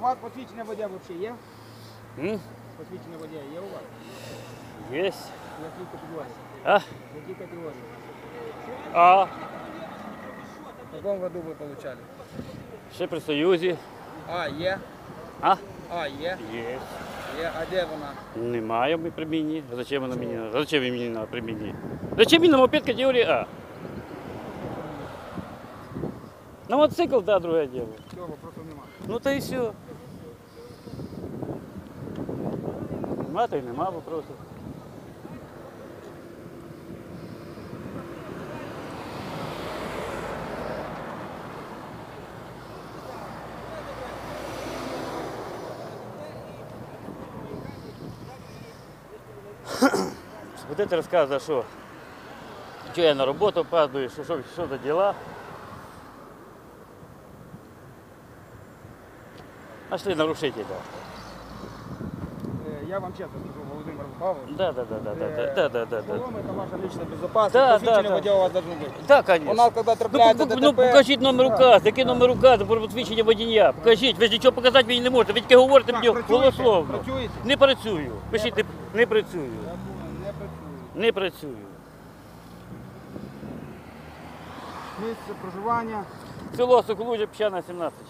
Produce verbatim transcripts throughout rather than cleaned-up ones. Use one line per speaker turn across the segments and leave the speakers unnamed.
вас посвідчення водія взагалі є?
М?
Посвідчення водія є у вас?
Есть.
Які категорії?
А?
Які категорії?
А?
В якому году ви отримали?
Ще при Союзі.
А, є.
А?
А, є.
Є.
Є. А де вона?
Немає ми при мені. Зачем вона мені? Зачем ви мені на при мені? Зачем мені на мопед категорії А? На мотоцикл, да, друге діло.
Цього просто немає.
Ну то і все. Нема, то й нема вопросу. Будете розказувати, що, що я на роботу опаздую, що, що, що за діла. Нашли нарушителя.
Е, Я вам чесно скажу, Володимир Павлович.
Да, да, да, да, да, да, да, да, да.
Шолом – это ваша личная безопасность.
Да,
Посвідчення
да, да.
водія у вас должно бути.
Да, конечно.
У нас, коли
Ну,
трапляється
ну,
ДТП...
ну покажіть номер указу, який номер указу про посвідчення водія. Покажіть, ви ж нічого показати мені не можете, ви тільки говорите
Так,
мені
працюєте?
голословно.
Працюєте?
Не працюю. Пишіть, не, не працюю.
Я думаю, не працює.
Не працюю.
Місце проживання.
Село Соколужя, Піщана, сімнадцять.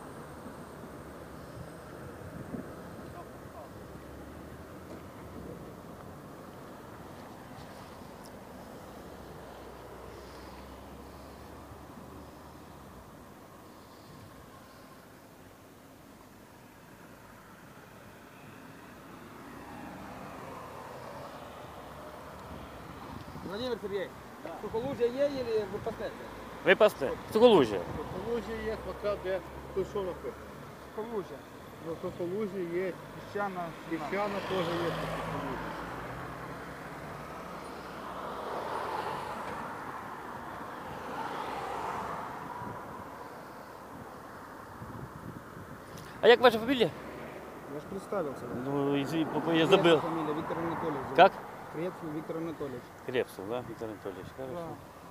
Владимир Сергеевич, да. Соколужье є или ви пастете?
Ви пасте. Соколужя.
Соколужі є, поки де той що робить.
Соколужье.
Ну, Соколужі є,
Піщана.
Піщана теж є по Соколужі.
А як ваша фамілія?
Я ж представился.
Ну, извини, я
Крепсов
забыл.
фамилия Виктор Анатольевич.
Как?
Крепсов Виктор Анатольевич.
Крепсов, да, Виктор Анатольевич. Хорошо.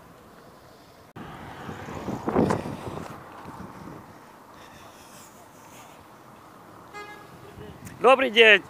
Добрый день.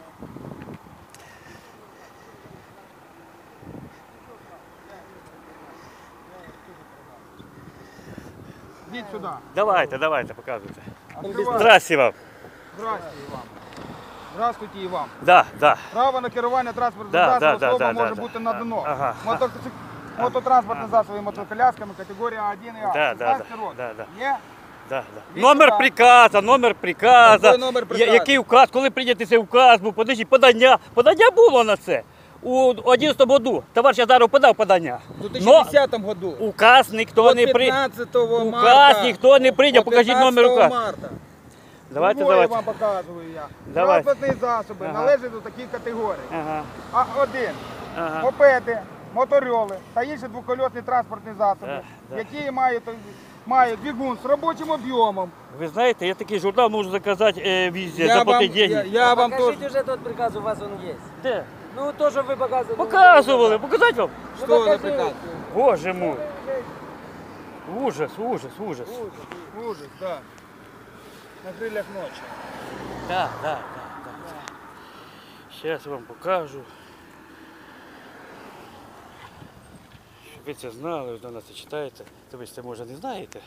Идите сюда.
Давайте, давайте, показуйте.
Открывай.
Здрасте вам.
Здравствуйте и вам. Здравствуйте і вам.
Да, да.
Право на керування транспортним
Да,
засобом
да, да,
особа
да,
може
да,
бути
да.
надано.
Ага,
Мотоцик- Мототранспортні засоби мотоколясками категорія один і А.
Да, да,
шістнадцять
да,
років.
да, да.
Є?
Да, да.
Від
Номер
сюди.
приказа, номер приказа.
Який номер приказу?
Я- Який указ, коли прийнятий цей указ був, подожди, подання. Подання було на це. У одинадцятому году товариш Азаров подав подання.
У дві
Но
тисячі десятому году.
указ ніхто
От
не прийняв.
п'ятнадцятого
Указ
марта.
ніхто не прийняв,
От
покажіть номер
п'ятнадцятого
указу.
марта.
Давайте,
Другое
давайте.
вам показую я.
Давайте.
Транспортні засоби
Ага.
належать до таких категорій.
Ага,
А один.
ага.
Мопеди, моторьоли та інші двокольосні транспортні засоби,
Да, да.
які мають, мають двигун з робочим об'ємом.
Ви знаєте, я такий журнал можу заказати е, везде,
Я вам,
заплатити
я,
деньги.
я вам
Покажите
тоже...
уже тот приказ, у вас он есть.
Де?
Ну, то, что вы показывали.
Показували, показати вам?
Ну,
Что за
покажите.
приказ?
Боже мой. Ужас, ужас, ужас.
Ужас, ужас, да. На крыльях ночи.
Да, да, да, да. Сейчас вам покажу. Щоб ви це знали, ви до нас це читаєте. То ви ж це може не знаєте.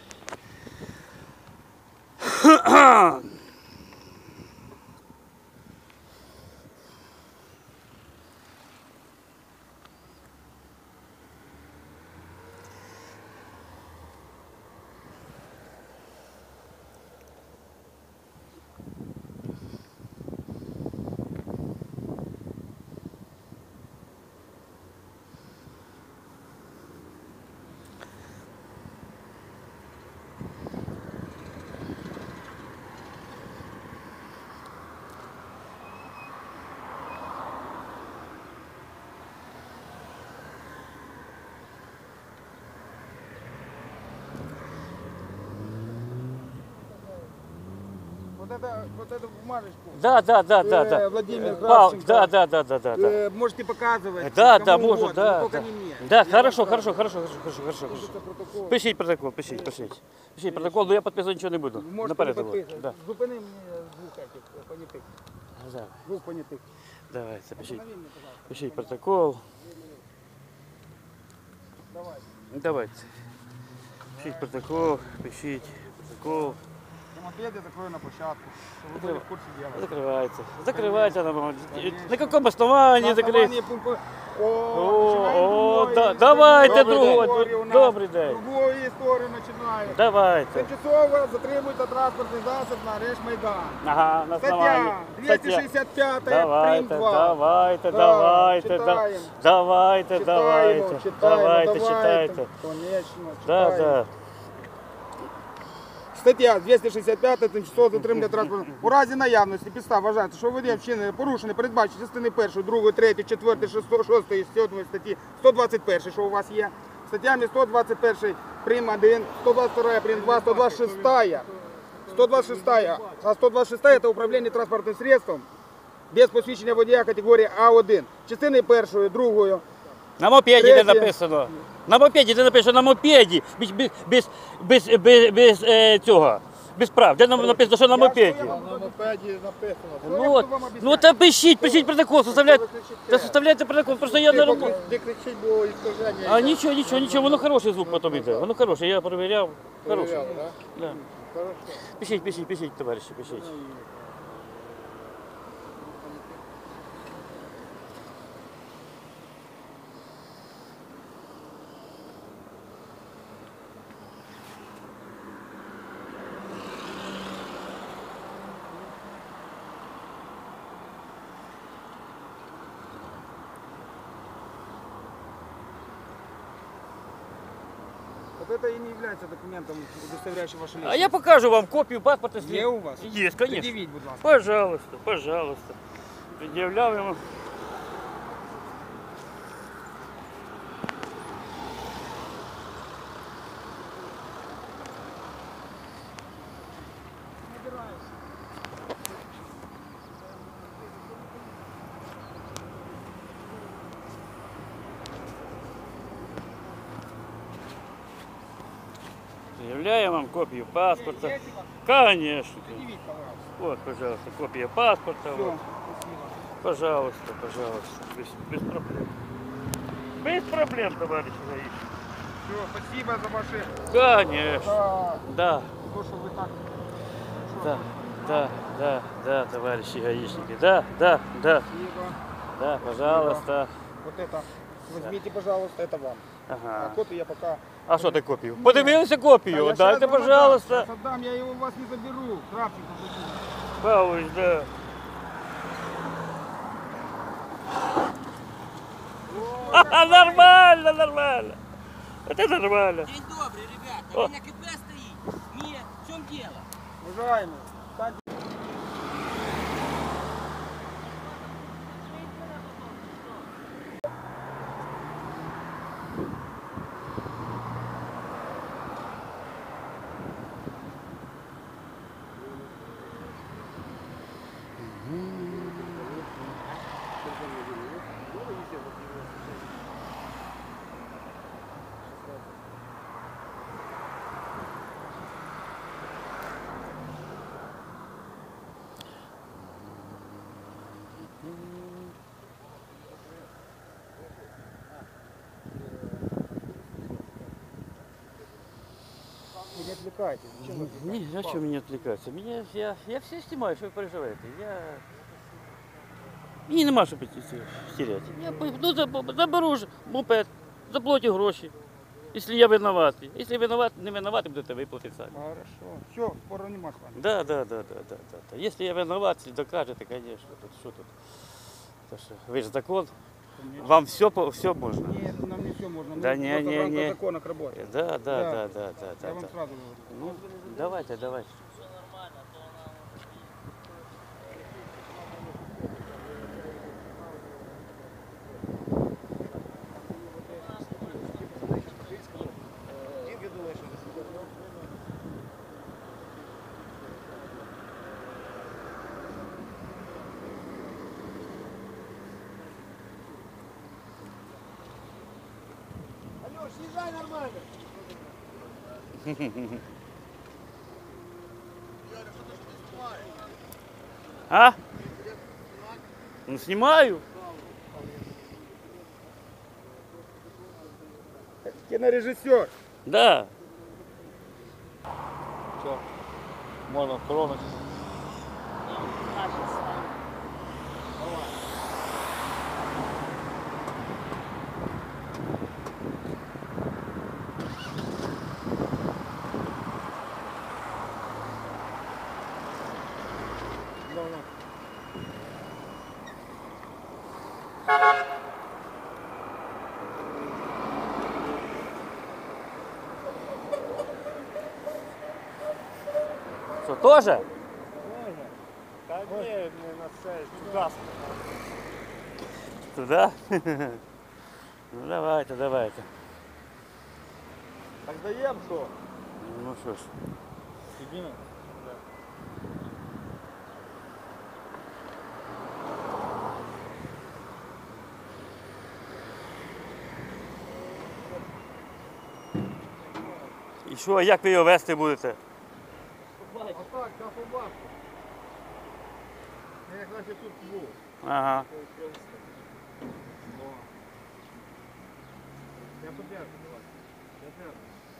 Вот это, вот эту бумажечку.
Да, да, да, да,
Э,
да.
Владимир
Пал,
Кравченко.
да, да, да, да, да, да.
Э, можете показывать.
Да,
кому
да, может,
угодно,
да.
но только
Да,
не мне.
да
Я
хорошо,
вам
хорошо,
сразу.
хорошо, хорошо, хорошо, хорошо.
Пишите протокол.
Пишіть протокол, пишіть, пишіть. Пишіть протокол, но я підписувати нічого не буду.
Можете
Наперед
не
говорю.
підписувати.
Да.
Зупини мені Понятых.
Давай.
Двух понятых.
Давайте, пишіть,
Останови меня, пожалуйста.
пишіть протокол.
Давай.
Давайте. Пишіть протокол, пишіть протокол.
На мопеде закрою на площадку, чтобы вы были в курсе дела.
Закривається. Закривається на
Конечно.
На якому основанні
На
закрити?
основании пункта... О,
О,
начинаем
о,
другой,
да-
если
давайте
другой
другой,
историю у нас.
добрий день.
Другую историю начинаем.
Давайте.
Тимчасово затримується транспортний засіб на арешт Майдан.
Ага, на основанні.
Стаття двісті шістдесят п'ять, прим.
Давайте,
два.
давайте,
Да,
давайте, да-
читаємо.
давайте,
Читаємо,
давайте,
читаємо,
давайте,
давайте.
читайте.
Конечно,
Да,
читаємо.
да.
Стаття двісті шістдесят п'ять, тимчасово затримання транспорту. У разі наявності підстав вважається, що водієм вчинення порушення передбачені частини першої, другої, третьої, четвертої, шостої, шостої, сьомої статті сто двадцять першої, що у вас є. Статтями сто двадцять перший прим. один, сто двадцять другий прим. два, сто двадцять шестая. сто двадцать шестая. А сто двадцать шестая это управление транспортным средством без посвідчення водія категорії А один. Частини першої, другої.
На мопеді де
Третє.
написано. На мопеді де написано, на мопеді. Без, без, без, без, без, без е, цього. Без прав. Де нам написано, що на мопеді?
На мопеді написано.
Що я
Ну,
буду
от,
вам об'ясняти?
ну та пишіть, пишіть протокол, составляйте.
Ви кричите.
Та составляйте протокол, просто я на роботі.
Ти кричить, бо іскаження.
А нічого, нічого, нічого, воно хороший звук потім йде. Воно хороше, я перевіряв. Хороший.
Перевіряли, да?
Да.
Хорошо.
Пишіть, пишіть, пишіть, товариші, пишіть.
Вот это и не является документом, удостоверяющим вашу личность.
А я покажу вам копію паспорта.
Є у вас?
Є, звісно.
Предъявіть, будь ласка.
Пожалуйста, пожалуйста. Пред'являємо. Пред'являємо вам копію паспорта.
Есть у вас?
Конечно.
Предъявить, пожалуйста.
Вот, пожалуйста, копия паспорта.
Все,
Вот.
спасибо.
Пожалуйста, пожалуйста. Без, без проблем. Без проблем, товарищ гаишник.
Все, спасибо за ваши...
Конечно.
Да,
Да,
то, что вы так...
да, да, да, да, товарищи гаишники. Да, да, да,
Спасибо.
да, пожалуйста.
Вот это возьмите, пожалуйста, это вам. А
Ага.
копию я пока...
А що ти копію? Подивилися копію?
А я
Дайте,
щас вам
пожалуйста.
отдам. Щас отдам, я его у вас не заберу. Кравченко заберу.
Павлович, да. Ха-ха, нормально, нормально. Это нормально.
День добрый, ребята.
О.
Вы на КП стоите. Нет, в чем дело?
Уважаемый, встаньте. Вы не отвлекайтесь. Зачем вы
Не,
отвлекаетесь?
зачем меня отвлекаться? Меня, я, я все снимаю, що ви переживаєте. Я... Мені нема що стеряти. Я по- ну, заб- заберу ж мопед, заплатю гроші. Якщо я винуватий. Якщо винуват, не винуватий, будете виплатити самі.
Хорошо. Все, спора нема с вами.
Да, да, да, да, да, да, да. Если я виноват, докажете, конечно. Тут что тут? То что, вы же закон, вам все, все можно.
Нет, нам не все можно. Мы
Да не,
просто
не,
в рамках
не.
закона работаем.
Да, да,
Да.
да, да, да, да.
Я вам
да.
сразу говорю.
Ну, давайте, давайте.
Алёш, езжай нормально.
А? Ну, снимаю.
Кинорежиссер.
Да.
Все. Можна тронути.
Что, тоже?
Та ні, не на це, туди.
Туда? Ну, давайте, давайте.
Так даємо що?
Ну, что ж.
Піднімемо?
І що, як ви його вести будете?
Отак, на побачку. Як наче тут був.
Ага.
Я подержу, давай. Я держу.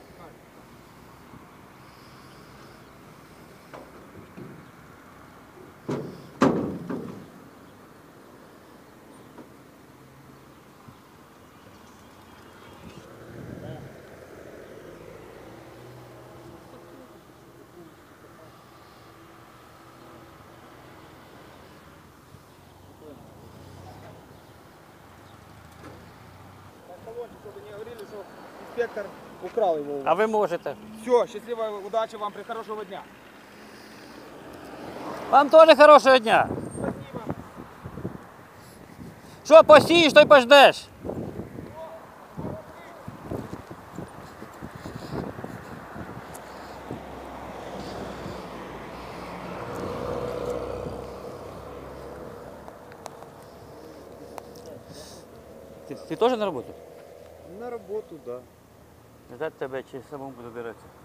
Чтобы не говорили, что инспектор украл его.
А ви можете.
Все, счастливой удачи вам, при хорошего дня.
Вам теж хорошого дня. Що посієш, то й пождеш. Ти, ти теж на роботу?
На роботу, так.
Ждать тебе чи самому буде добиратися?